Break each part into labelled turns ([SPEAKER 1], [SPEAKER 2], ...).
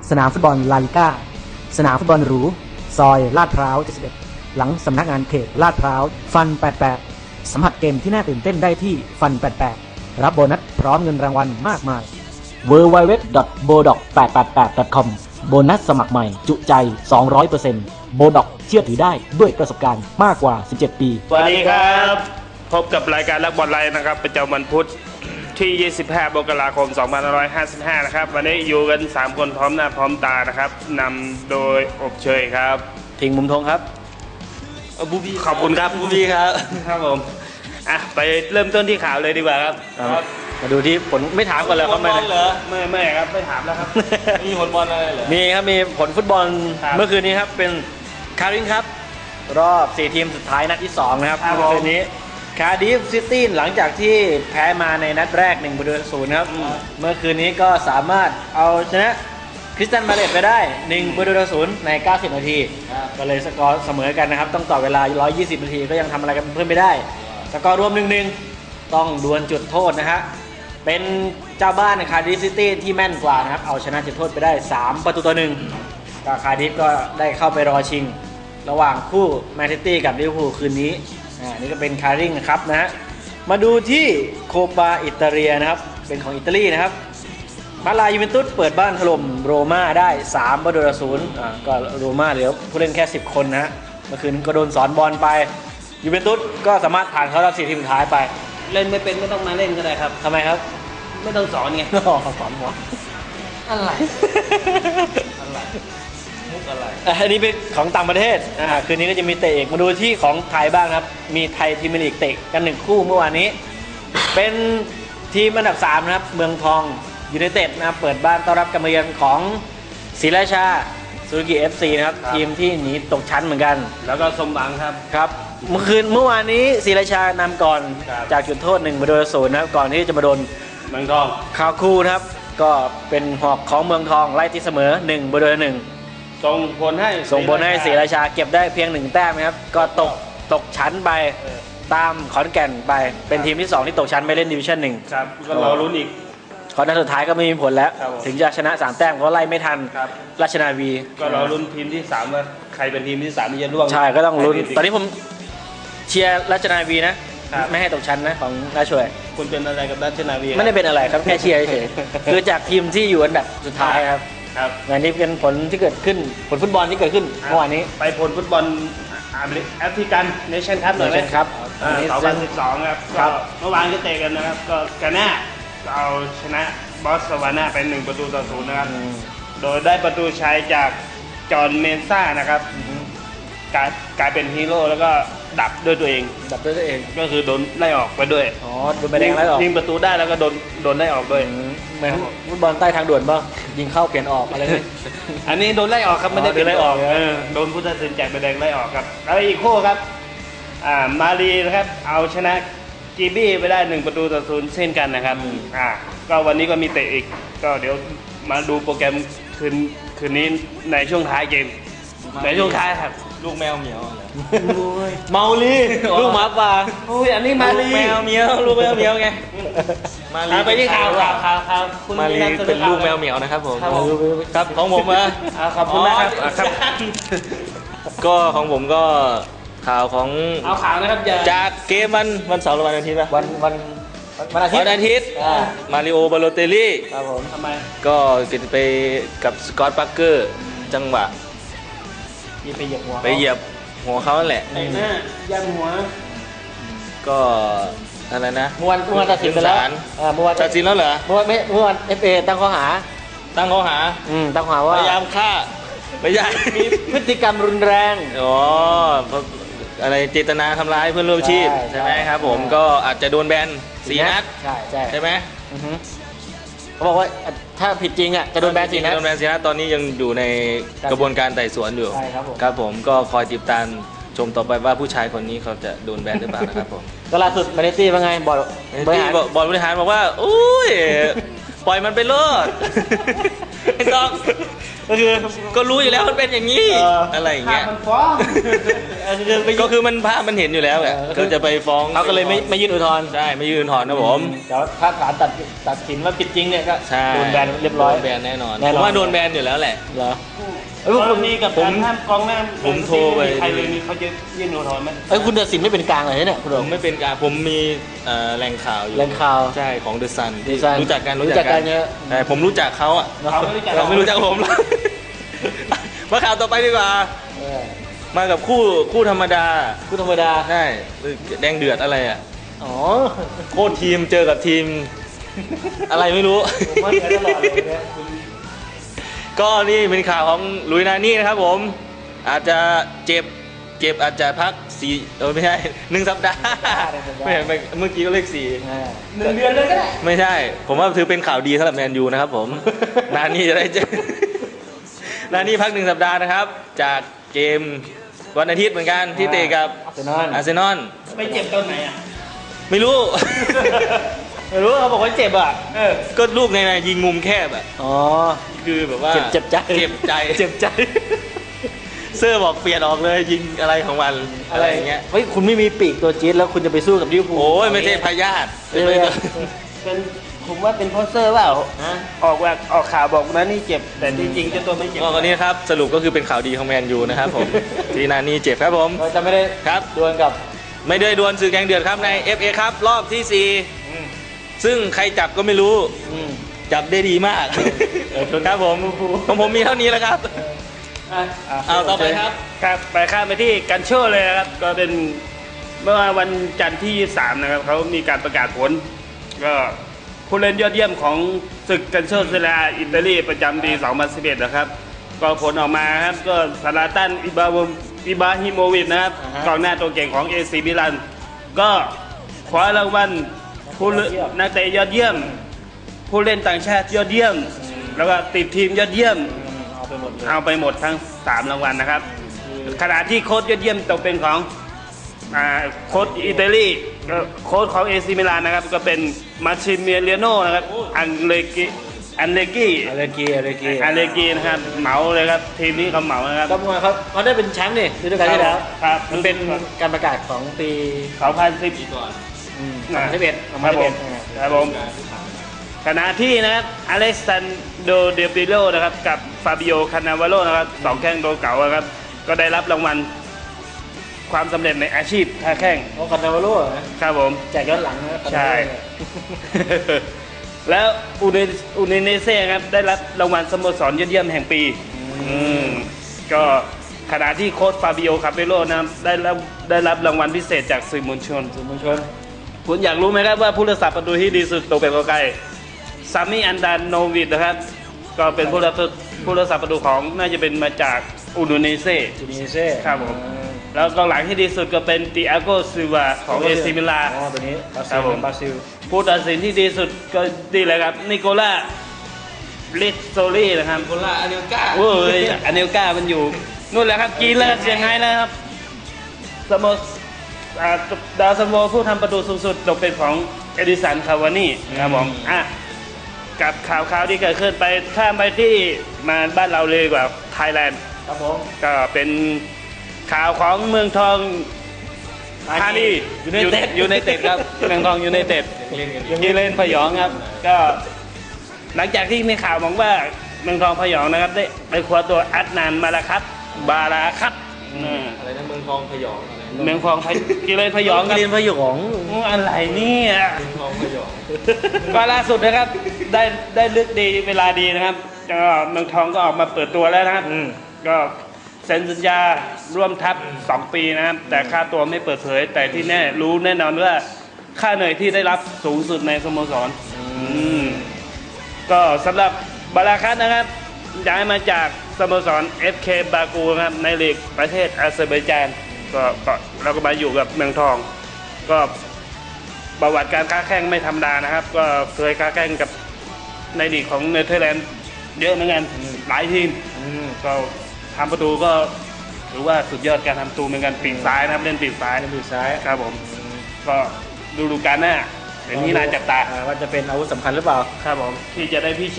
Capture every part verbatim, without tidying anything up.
[SPEAKER 1] สนามฟุตบอลลาลิก้าสนามฟุตบอลหรูซอยลาดพร้าวเจ็ดสิบเอ็ดหลังสำนักงานเขตลาดพร้าวฟันแปดสิบแปดสัมผัสเกมที่น่าตื่นเต้นได้ที่ฟันแปดสิบแปดรับโบนัสพร้อมเงินรางวัลมากมาย ดับเบิลยู ดับเบิลยู ดับเบิลยู ดอท โบด็อก แปดแปดแปด ดอท คอม โบนัสสมัครใหม่จุใจ สองร้อยเปอร์เซ็นต์ โบด็อกเชื่อถือได้ด้วยประสบการณ์มากกว่าสิบเจ็ดปี
[SPEAKER 2] สวัสดีครับพบกับรายการรักบอลไลน์นะครับประจำวันพุธที่ยี่สิบห้ามกราคมสองพันห้าร้อยห้าสิบห้านะครับวันนี้อยู่กันสามคนพร้อมหน้าพร้อมตานะครับนำโดยอบเชยครับ
[SPEAKER 3] ทิงมุมทงครับ
[SPEAKER 2] บูบีขอบคุณครับบูบีครับครับผมอ่ะไปเริ่มต้นที่ข่าวเลยดีกว่าครับ
[SPEAKER 3] มาดูที่ผลไม่ถามก่อนเลยครับไม่
[SPEAKER 2] ไม่ไม่ครับไม่ถามแล้วครับ
[SPEAKER 3] มีผลบอลอะไรเหรอมีครับมีผลฟุตบอลเมื่อคืนนี้ครับเป็นคาริงครับรอบสี่ทีมสุดท้ายนัดที่สองนะครับเมื่อคืนนี้คาร์ดิฟซิตี้หลังจากที่แพ้มาในนัดแรกหนึ่งประตูต่อศูนย์ครับเมื่อคืนนี้ก็สามารถเอาชนะคริสตันพาเลซไปได้หนึ่งประตูต่อศูนย์ในเก้าสิบนาทีก็เลยสกอร์เสมอกันนะครับต้องต่อเวลาหนึ่งร้อยยี่สิบนาทีก็ยังทำอะไรกันเพิ่มไม่ได้สกอร์รวม หนึ่งหนึ่ง ต้องดวลจุดโทษนะฮะเป็นเจ้าบ้านคาร์ดิฟซิตี้ที่แม่นกว่านะครับเอาชนะจุดโทษไปได้สามประตูต่อหนึ่งก็คาร์ดิฟก็ได้เข้าไปรอชิงระหว่างคู่แมนซิตี้กับลิเวอร์พูลคืนนี้อ่านี่ก็เป็นคาริงนะครับนะฮะมาดูที่โคปาอิตาเลียนะครับเป็นของอิตาลีนะครับมาลายูเวนตุสเปิดบ้านถล่มโรม่าได้สามประตูต่อศูนย์อ่าก็โรม่าเหลือผู้เล่นแค่สิบคนนะฮะเมื่อคืนก็โดนสอนบอลไปยูเวนตุสก็สามารถผ่านเข้ารอบสี่ทีมสุดท้ายไป
[SPEAKER 2] เล่นไม่เป็นไม่ต้องมาเล่นก็ได้ครับ
[SPEAKER 3] ทำไมครับ
[SPEAKER 2] ไม่ต้องสอนไง
[SPEAKER 3] สอนหัว
[SPEAKER 2] อะไรอะไรมุกอะไร
[SPEAKER 3] อันนี้เป็นของต่างประเทศอ่าคืนนี้ก็จะมีเตะเอกมาดูที่ของไทยบ้างครับมีไทยพรีเมียร์ลีกเตะกันหนึ่งคู่เมื่อวานนี้เป็นทีมอันดับสามนะครับเมืองทองยูไนเต็ดนะครับเปิดบ้านต้อนรับการมาเยือนของศรีราชาซูซูกิ เอฟ ซี นะครับทีมที่หนีตกชั้นเหมือนกัน
[SPEAKER 2] แล้วก็สมหวังครับ
[SPEAKER 3] ครับเมื่อคืนเมื่อวานนี้ศรีราชานำก่อนจากจุดโทษหนึ่งประตูต่อศูนย์นะครับก่อนที่จะมาโดน
[SPEAKER 2] เมืองทอง
[SPEAKER 3] คาคูนะครับก็เป็นหอกของเมืองทองไล่ที่เสมอหนึ่งประตูต่อหนึ่ง
[SPEAKER 2] ส่งผลให้
[SPEAKER 3] ส่งผลให้ศรีราชาเก็บได้เพียงหนึ่งแต้มนะครับก็ตกตกชั้นไปตามขอนแก่นไปเป็นทีมที่สองที่ตกชั้นไปเล่นดิวิชั่นหนึ่ง
[SPEAKER 2] ครับก็รอลุ้นอีก
[SPEAKER 3] ขอนัดสุดท้ายก็ไม่มีผลแล้วถึงจะชนะสามแต้มก็ไล่ไม่ทันราชนาวี
[SPEAKER 2] ก็รอลุ้นทีมที่สามว่าใครเป็นทีมที่สามที่จะร่วง
[SPEAKER 3] ใช่ก็ต้องลุ้นตอนนี้ผมเชียร์ราชนาวีนะไม่ให้ตกชั้นนะของราชช่วย
[SPEAKER 2] คุณเป็นอะไรกับราชนาวี
[SPEAKER 3] ไม่ได้เป็นอะไรครับแค่เชียร์เฉยคือจากทีมที่อยู่อันดับสุดท้ายครับ
[SPEAKER 2] ครับ
[SPEAKER 3] งานนี้เป็นผลที่เกิดขึ้นผลฟุตบอลที่เกิดขึ้นเมื่อวานนี้
[SPEAKER 2] ไปผลฟุตบอลแอฟริกันเนชั่นคัพหน่อยไหม
[SPEAKER 3] ครับ
[SPEAKER 2] สองพันสิบสองครับก็เมื่อวานก็เตะกันนะครับก็กาน่าเอาชนะบอสวาน่าเป็นหนึ่งประตูต่อศูนย์นะครับโดยได้ประตูชัยจากจอห์นเมนซ่านะครับกลายกลายเป็นฮีโร่แล้วก็ดับด้วยตัวเอง
[SPEAKER 3] ดับด้วยตัวเอง
[SPEAKER 2] ก็คือโดนไล่ออกไปด้วย
[SPEAKER 3] อ๋อโดนใบแดงไล่ออก
[SPEAKER 2] ยิงประตูได้แล้วก็โดนโดนไล่ออกด้วย
[SPEAKER 3] เหมือนฟุตบอลใต้ทางด่วนป่ะยิงเข้าเปลี่ยนออกอะไรนี่
[SPEAKER 2] อันนี้โดนไล่ออกครับไม่ได้เป็นไล่ออกโดนผู้ตัดสินแจกใบแดงไล่ออกครับแล้วอีกคู่ครับอ่ามาลีนะครับเอาชนะจีบี้ไปได้หนึ่งประตูต่อศูนย์เช่นกันนะครับอ่าก็วันนี้ก็มีเตะอีกก็เดี๋ยวมาดูโปรแกรมคืนคืนนี้ในช่วงท้ายเกมในช่วงท้ายครับ
[SPEAKER 3] ลูกแมวเหมียวเมาลีลูกหมาป่า
[SPEAKER 2] โอ้ยอันนี้มาลี
[SPEAKER 3] แมวเหมียวลูกแมวเหมียวไง
[SPEAKER 2] มาลีไปที่ข่าวข่าวข่าวข่าว
[SPEAKER 3] คุณมาลีเป็นลูกแมวเหมียวนะครับผมครับของผมอ่ะ
[SPEAKER 2] ขอบคุณนะครับ
[SPEAKER 3] ก็ของผมก็ข่าวของ
[SPEAKER 2] เอาข่าวนะครับ
[SPEAKER 3] จากเกมวันวันเสาร์หรือวันอาทิตย์ป่ะวันวันวันอาทิตย์วันอาทิตย์มาริโอบาโลเตลลี่
[SPEAKER 2] ครับผมทำไม
[SPEAKER 3] ก็กินไปกับสกอตต์ปาร์เกอร์จังหวะ
[SPEAKER 2] ไปเหยียบหัว
[SPEAKER 3] ไปเหยียบหัวเขาแหละ
[SPEAKER 2] ไอ้หน้ายันหัว
[SPEAKER 3] ก็อะไรนะ
[SPEAKER 2] เมื่อวันเมื่อวันตัดสินไปแล้ว
[SPEAKER 3] เมื่อวันตัดสินแล้วเหรอ
[SPEAKER 2] เมื่อวันไม่เมื่อวันเอฟเอตั้งข้อหา
[SPEAKER 3] ตั้งข้อหา
[SPEAKER 2] อืมตั้งข้อหาว่า
[SPEAKER 3] พยายามฆ่าไม่ใช่
[SPEAKER 2] มีพฤติกรรมรุนแรง
[SPEAKER 3] อ๋ออะไรเจตนาทำร้ายเพื่อนร่วมชีพใช่ไหมครับผมก็อาจจะโดนแบนสี่นัด
[SPEAKER 2] ใช่ใช่
[SPEAKER 3] ใช่ไหม
[SPEAKER 2] เขาบอกว่าถ้าผิดจริงอ่ะจะโดนแบนสี่นัด
[SPEAKER 3] โดนแบนสี่นัดตอนนี้ยังอยู่ในกระบวนการไต่สวนอยู่
[SPEAKER 2] ใช่ครับผม
[SPEAKER 3] ครับผมก็คอยติดตามชมต่อไปว่าผู้ชายคนนี้เขาจะโดนแบนหรือเปล่านะครับผม
[SPEAKER 2] ก็ล่าสุดมาเลเซียว่าไงบอล
[SPEAKER 3] บริหารบอลบริหารบอกว่าอุ้ยปล่อยมันไปเลิศไม่ต้องก็คือก็รู้อยู่แล้วมันเป็นอย่างนี้
[SPEAKER 2] เอออ
[SPEAKER 3] อะไรอย่างเงี้ย
[SPEAKER 2] มันฟ้องคือไป
[SPEAKER 3] ก็คือมันภาพมันเห็นอยู่แล้วแหละก็จะไปฟ้อง
[SPEAKER 1] เขาก็เลยไม่ไม่ยื่นอุทธรณ์
[SPEAKER 3] ใช่ไม่ยื่นอุทธรณ์นะผม
[SPEAKER 1] เดี๋ยวถ้าศาลตัดตัดสินว่าผิดจริงเนี่ยก็
[SPEAKER 3] ใช่
[SPEAKER 1] โดนแบนเรียบร้อย
[SPEAKER 3] โดนแบนแน่นอน
[SPEAKER 1] แน่นอน
[SPEAKER 3] ผมว่าโดนแบนอยู่แล้วแหละ
[SPEAKER 1] เหรอ
[SPEAKER 2] เอ้ยคุณมีกับ
[SPEAKER 3] ผม
[SPEAKER 2] การห้ามกองหน้า
[SPEAKER 3] ผมโทรไป
[SPEAKER 2] ใครเลยมีเขาจะยื่นอุทธรณ์ไหม
[SPEAKER 1] เอ้ยคุณตัดสินไม่เป็นกลางเลยเนี่ยคุณ
[SPEAKER 3] ผ
[SPEAKER 1] โด
[SPEAKER 3] ม
[SPEAKER 1] ม
[SPEAKER 3] ไม่เป็นการผมมีเอ่อแหล่งข่าวอยู่
[SPEAKER 1] แหล่งข่าว
[SPEAKER 3] ใช่ของเดอะซัน
[SPEAKER 1] The Sun
[SPEAKER 3] รู้จักกัน
[SPEAKER 1] รู้จักกันเยอะ
[SPEAKER 3] ใช่ผมรู้จักเขาอ่ะ
[SPEAKER 2] เขาไม่รู้จัก
[SPEAKER 3] เราไม่รู้จักผม มาข่าวต่อไปดีกว่า
[SPEAKER 1] เออ
[SPEAKER 3] มากับคู่คู่ธรรมดา
[SPEAKER 1] คุณธรรมดา
[SPEAKER 3] ใช่แดงเดือดอะไรอ่ะ
[SPEAKER 1] อ๋อ
[SPEAKER 3] โคตรทีมเจอกับทีม อะไรไม่รู้
[SPEAKER 1] ผมว่าเหมือนตลอดเลยเนี่ยคุณ
[SPEAKER 3] ก็นี่เป็นข่าวของลุยนานี่นะครับผม อาจจะเจ็บเจ็บอาจจะพักสี่เออไม่ใช่หนึ่งสัปดาห์ไม่เห็นไปเมื่อกี้ก็เลขสี่
[SPEAKER 1] อ่า
[SPEAKER 2] หนึ่งเดือนเลยก็ได้
[SPEAKER 3] ไม่ใช่ ผมว่าถือเป็นข่าวดีสำหรับแมนยูนะครับผม นานี่จะได้เจอ นานี่พักหนึ่งสัปดาห์นะครับ จากเกมวันอาทิตย์เหมือนกันที่เตะกับ
[SPEAKER 1] อาร์เซนอล
[SPEAKER 3] อาร์เซนอล
[SPEAKER 2] ไปเจ็บตอนไหนอ่ะ
[SPEAKER 3] ไม่รู้
[SPEAKER 1] ไม่รู้เขาบอกว่าเจ็บอ่ะ
[SPEAKER 2] เออ
[SPEAKER 3] ก็ลูกในในยิงมุมแคบอะ
[SPEAKER 1] อ๋อ
[SPEAKER 3] คือแบบว่า
[SPEAKER 1] เจ็บเจ็บใจ
[SPEAKER 3] เจ็บใจ
[SPEAKER 1] เจ็บใจ
[SPEAKER 3] เซอร์บอกเปลี่ยนออกเลยยิงอะไรของมันอะไรอย่างเงี้ย
[SPEAKER 1] เฮ้ยคุณไม่มีปีกตัวจี๊ดแล้วคุณจะไปสู้กับลิเวอร์พูล
[SPEAKER 3] โอ้ยไม่ใช่พยาธิ
[SPEAKER 1] เออ
[SPEAKER 3] ไม่ใช่
[SPEAKER 2] เป็นผมว่าเป็นโพสเซอร์เปล่า
[SPEAKER 1] ฮะ
[SPEAKER 2] ออกว่าออกข่าวบอกนะนี่เจ็บ แต่จริงๆเจ้าตัวไม่เจ็บ
[SPEAKER 3] ก็วันนี้ครับสรุปก็คือเป็นข่าวดีของแมนยูนะครับผม ที่นานี่เจ็บครับผม
[SPEAKER 1] เราจะไม่ได้
[SPEAKER 3] ครับ
[SPEAKER 1] ดวลกับ
[SPEAKER 3] ไม่ได้ดวลสื่อแกงเดือดครับใน เอฟ เอ ครับรอบที่สี่ซึ่งใครจับก็ไม่รู้
[SPEAKER 1] อืม
[SPEAKER 3] จับได้ดีมาก
[SPEAKER 1] เออ
[SPEAKER 3] ครับผมของผมมีเท่านี้แล้วครับ
[SPEAKER 1] อ่ะ
[SPEAKER 3] เอาต่อไปครับ
[SPEAKER 2] ครับไปข้ามไปที่กันโชเลยนะครับ ก็เป็นเมื่อวันจันทร์ที่ยี่สิบสามนะครับเขามีการประกาศผล ก็ผู้เล่นยอดเยี่ยมของศึกกันโชเซเรียอิตาลีประจำปีสองพันสิบเอ็ดนะครับ ก็ผลออกมาครับก็ซาลาตันอิบาวอิบราฮิโมวิชนะครับกองหน้าตัวเก่งของเอซีมิลันก็คว้ารางวัลผู้เล่นนักเตะยอดเยี่ยม ผู้เล่นต่างชาติยอดเยี่ยม แล้วก็ติดทีมยอดเยี่ยม
[SPEAKER 1] เอาไปหมดเลย
[SPEAKER 2] เอาไปหมดทั้งสามรางวัลนะครับ ขณะที่โค้ชยอดเยี่ยมตกเป็นของอ่าโค้ชอิตาลีก็โค้ชของเอซีมิลานนะครับ ก็เป็นมาชิเมเลียโนนะครับอันเลกิอันเลกิ
[SPEAKER 1] อาเลกีอาเลกี
[SPEAKER 2] อันเลกินะครับเหมาเลยครับทีมนี้เขาเหมานะครับ
[SPEAKER 1] ก็มวยเขาเขาได้เป็นแชมป์นี่ฤดูกาลที่แล้ว
[SPEAKER 2] ครับ
[SPEAKER 1] มันเป็นการประกาศของปี
[SPEAKER 2] สองพันสิบ
[SPEAKER 3] ก่อน
[SPEAKER 1] อืมสองพันสิบเอ็ด
[SPEAKER 2] ครับผมครับผมขณะที่นะครับอเล็กซานโดเดปิโลนะครับกับฟาบิโอคานาวาโลนะครับสองแข้งตัวเก่านะครับก็ได้รับรางวัลความสำเร็จในอาชีพท่าแข้ง
[SPEAKER 1] โอ้คอนเนวาโร่นะครับ
[SPEAKER 2] ผม
[SPEAKER 1] แจกย้อนหลังนะ
[SPEAKER 2] ใช่ แล้วอูเนอูเนเนเซ่ครับได้รับรางวัลสโมสรยอดเยี่ยมแห่งปีอืมก็ขณะที่โค้ชฟาบิโอคาเปโลนะครับได้รับได้รับรางวัลพิเศษจากสื่อมวลชน
[SPEAKER 1] สื่อมวลชน
[SPEAKER 2] คุณอยากรู้ไหมครับว่าผู้รักษาประตูที่ดีสุดตกเป็นของใครซามิอันดานโนวิดนะครับ ก็เป็นผู้รักษาผู้รักษาประตูของน่าจะเป็นมาจากอูโดนีเซ่
[SPEAKER 1] จูนิเซ่
[SPEAKER 2] ครับผม แล้วกองหลังที่ดีสุดก็เป็นติอาโกซิลวาของเอซิมิลา
[SPEAKER 1] อ๋อตัวนี้บรา
[SPEAKER 2] ครั
[SPEAKER 1] ซิ
[SPEAKER 2] บ
[SPEAKER 1] ล
[SPEAKER 2] ผม
[SPEAKER 1] บราซิล
[SPEAKER 2] ผู้ตัดสินที่ดีสุดก็ดีเลยครับนิโคล่าลิสโซลี่นะครับ
[SPEAKER 3] คนละอันเดียวก้า
[SPEAKER 2] โอ้ยอันเนลกามันอยู่นู่นแหละครับกรีนแล้วเชียงไฮ้แล้วครับสโมสอ่าดาวซันโวผู้ทำประตูสูงสุดตกเป็นของเอดิสันคาวานี่ครับผมอ่ะกับข่าวข่าวที่เกิดขึ้นไปข้ามไปที่มาบ้านเราเลยดีกว่าไทยแลนด์
[SPEAKER 1] ครับผม
[SPEAKER 2] ก็เป็นข่าวของเมืองทองธานี
[SPEAKER 1] ยูไนเต็ด
[SPEAKER 2] ยูไนเต็ดครับเมืองทองยูไนเต็ด
[SPEAKER 3] เล่นกัน
[SPEAKER 2] ยีเล่นพยองครับ ก็หลังจากที่มีข่าวบอกว่าเมืองทองพยองนะครับได้ไปคว้าตัวอัดนานมาลาคัตบาราคัตอืม
[SPEAKER 3] อะไรนะเมืองทองพยองอะไร
[SPEAKER 2] เมืองทองพยยีเล่นพยองครับ
[SPEAKER 1] เรียนพยอง
[SPEAKER 2] อู้อะไรเนี่ย
[SPEAKER 3] เมืองทองพยอง
[SPEAKER 2] ก็ล่าสุดนะครับได้ได้เลือกดีเวลาดีนะครับก็เมืองทองก็ออกมาเปิดตัวแล้วนะครับ
[SPEAKER 1] อืม
[SPEAKER 2] ก็เซ็นสัญญาร่วมทัพสองปีนะครับ แต่ค่าตัวไม่เปิดเผย แต่ที่แน่รู้แน่นอนว่าค่าเหนื่อยที่ได้รับสูงสุดในสโมสรอืมก็สำหรับบาราคัตนะครับย้ายมาจากสโมสร เอฟ เค บากูนะครับในลีกประเทศอาเซอร์ไบจานก็ก็เราก็มาอยู่กับเมืองทอง ก็ประวัติการค้าแข่งไม่ธรรมดานะครับ ก็เคยค้าแข่งกับในลีกของเนเธอร์แลนด์เยอะเหมือนกันหลายทีม
[SPEAKER 1] อืม
[SPEAKER 2] ก็ทำประตูก็ถือว่าสุดยอดการทำประตูเหมือนกันปีกซ้ายนะครับเล่นปีกซ้าย
[SPEAKER 1] เล่นปีกซ้าย
[SPEAKER 2] ครับผม ก็ดูดูการหน้าเป็นที่น่าจับตา
[SPEAKER 1] อ่ว่าจะเป็นอาวุธสำคัญหรือเปล่า
[SPEAKER 2] ครับผมที่จะได้พิชิต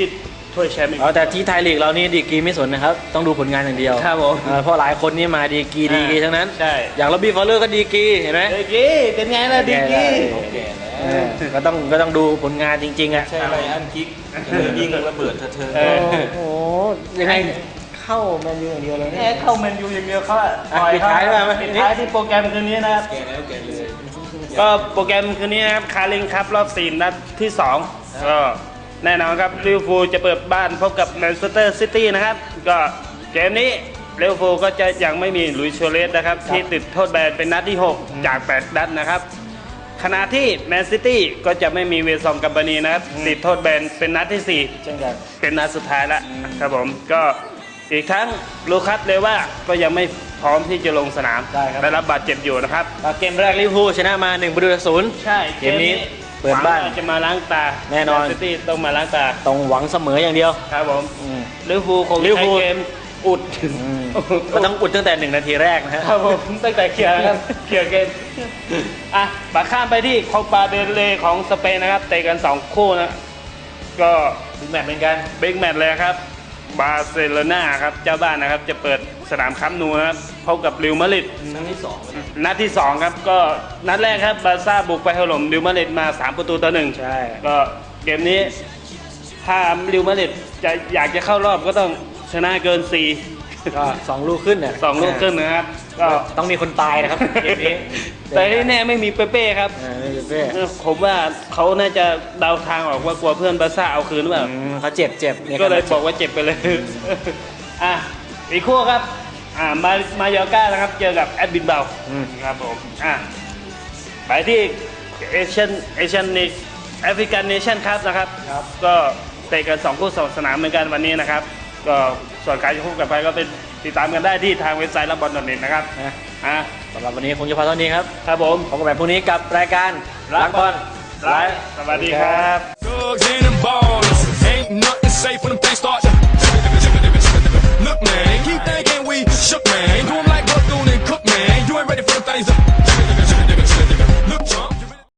[SPEAKER 2] ถ้วยแชมป์อีก
[SPEAKER 3] อ๋อแต่ที่ไทยลีกเรานี่ดีกรีไม่สนนะครับ ต้องดูผลงานอย่างเดียว
[SPEAKER 2] ครับผม
[SPEAKER 3] เออเพราะหลายคนนี่มาดีกรีดีกรีทั้งนั้น
[SPEAKER 2] ใช่
[SPEAKER 3] อย่างล็อบบี้ฟอลเลอร์ก็ดีกรีเห็นไหม
[SPEAKER 2] ดีกรีเป็นไงล่ะดีกรี
[SPEAKER 3] เออก็ต้องก็ต้องดูผลงานจริงๆอ่ะ
[SPEAKER 4] ใช่ไรอันคิกยิงระเบิดเธอ
[SPEAKER 2] เออ
[SPEAKER 3] โอ้โหยังไงเข้าแมนยูอย่างเดียวเลย
[SPEAKER 2] แค่
[SPEAKER 3] เนี่ย
[SPEAKER 2] เข้าแมนยูอย่างเดียวเขาอะ
[SPEAKER 3] อ่ะ
[SPEAKER 2] ปล่อย
[SPEAKER 3] ปิดท้ายด้วยไหม
[SPEAKER 2] ปิดท้ายที่โปรแกรมคืนนี้นะครับ
[SPEAKER 4] แกแล้วแกเลย
[SPEAKER 2] ก็โปรแกรมคืนนี้นะครับคาริงครับรอบสี่นัดที่สองก็แน่นอนครับลิเวอร์พูลจะเปิดบ้านพบกับแมนเชสเตอร์ซิตี้นะครับก็เกมนี้ลิเวอร์พูลก็จะยังไม่มีหลุยส์โชเลสนะครับที่ติดโทษแบนเป็นนัดที่หกจากแปดนัดนะครับขณะที่แมนซิตี้ก็จะไม่มีเวซองกับบานีนะครับติดโทษแบนเป็นนัดที่สี่
[SPEAKER 3] เช่นกัน
[SPEAKER 2] เป็นนัดสุดท้ายแล้วครับผมก็อีกทั้งลูคัสเลว่าก็ยังไม่พร้อมที่จะลงสนาม
[SPEAKER 3] ใช่ครับ
[SPEAKER 2] ได้รับบาดเจ็บอยู่นะครับ
[SPEAKER 3] ก็เกมแรกลิเวอร์พูลชนะมาหนึ่งประตูต่อศูนย์
[SPEAKER 2] ใช่
[SPEAKER 3] เกมนี้เปิดบ้าน
[SPEAKER 2] หวังว่จะมาล้างตา
[SPEAKER 3] แน่นอน
[SPEAKER 2] ซิตี้ต้องมาล้างตา
[SPEAKER 3] ต้องหวังเสมออย่างเดียว
[SPEAKER 2] ครับผม
[SPEAKER 3] อืม
[SPEAKER 2] ลิเวอร์พูลคง
[SPEAKER 3] ลิเวอร์
[SPEAKER 2] ใช้
[SPEAKER 3] พูล
[SPEAKER 2] เกมอุด
[SPEAKER 3] ก็ต้องอุดตั้งแต่หนึ่งนาทีแรกนะฮะ
[SPEAKER 2] ครับผมตั้งแต่เคลียร์ครับเคลียร์เกมอ่ะมาข้ามไปที่โคปาเดลเรย์ของสเปนนะครับเตะกันสองคู่นะก็
[SPEAKER 3] ถึงแมตช์เหมือนกัน
[SPEAKER 2] บิ๊กแมตช์เลยครับบาร์เซโลนาครับเจ้าบ้านนะครับจะเปิดสนามคัมป์นูนะครับพบกับริวมาดริด
[SPEAKER 4] นัดที่สอง
[SPEAKER 2] นัดที่สองครับก็นัดแรกครับบาร์ซ่าบุกไปถล่มริวมาดริดมาสามประตูต่อหนึ่ง
[SPEAKER 3] ใช่
[SPEAKER 2] ก็เกมนี้ถ้าริวมาดริดจะอยากจะเข้ารอบก็ต้องชนะเกินสี่
[SPEAKER 3] ก็สองลูกขึ้นเนี่ย
[SPEAKER 2] สองลูกขึ้นนะครับก็
[SPEAKER 3] ต้องมีคนตายนะครับเกมนี้
[SPEAKER 2] แต่ที่แน่ไม่มีเปเป้ครับ
[SPEAKER 3] อ่าไม่เป็นเป้
[SPEAKER 2] ผมว่าเขาน่าจะเดาทางออกว่ากลัวเพื่อนบาร์ซ่าเอาคืนหรือเปล่า
[SPEAKER 3] อืมเขาเจ็บเจ็บนี่
[SPEAKER 2] ก็เลย
[SPEAKER 3] จ็
[SPEAKER 2] บอกว่าเจ็บไปเลย อ่ะอีกคู่ครับอ่ามามายอร์ก้านะครับ เจอกับแอดบินเบล
[SPEAKER 3] อืม
[SPEAKER 2] ครับผมอ่ะไปที่เอเชียนเอเชียนนิแอฟริกันเนชั่นครับนะครับ
[SPEAKER 3] ครับ
[SPEAKER 2] ก็เตะกันสองคู่สองสนามเหมือนกันวันนี้นะครับ ก็ส่วนการจะพบกันไปก็เป็นติดตามกันได้ที่ทางเว็บไซต์รับบอลดอทเน็ตนะครับ
[SPEAKER 3] นะ
[SPEAKER 2] อ่ะ
[SPEAKER 3] สำหรับวันนี้คงจะพอเท่านี้ครับ
[SPEAKER 2] ครับผม
[SPEAKER 3] พบกันใหม่พรุ่งนี้กับรายการรักบอล
[SPEAKER 2] ไลฟ์สวัสดีครับ
[SPEAKER 4] Thugs in the ball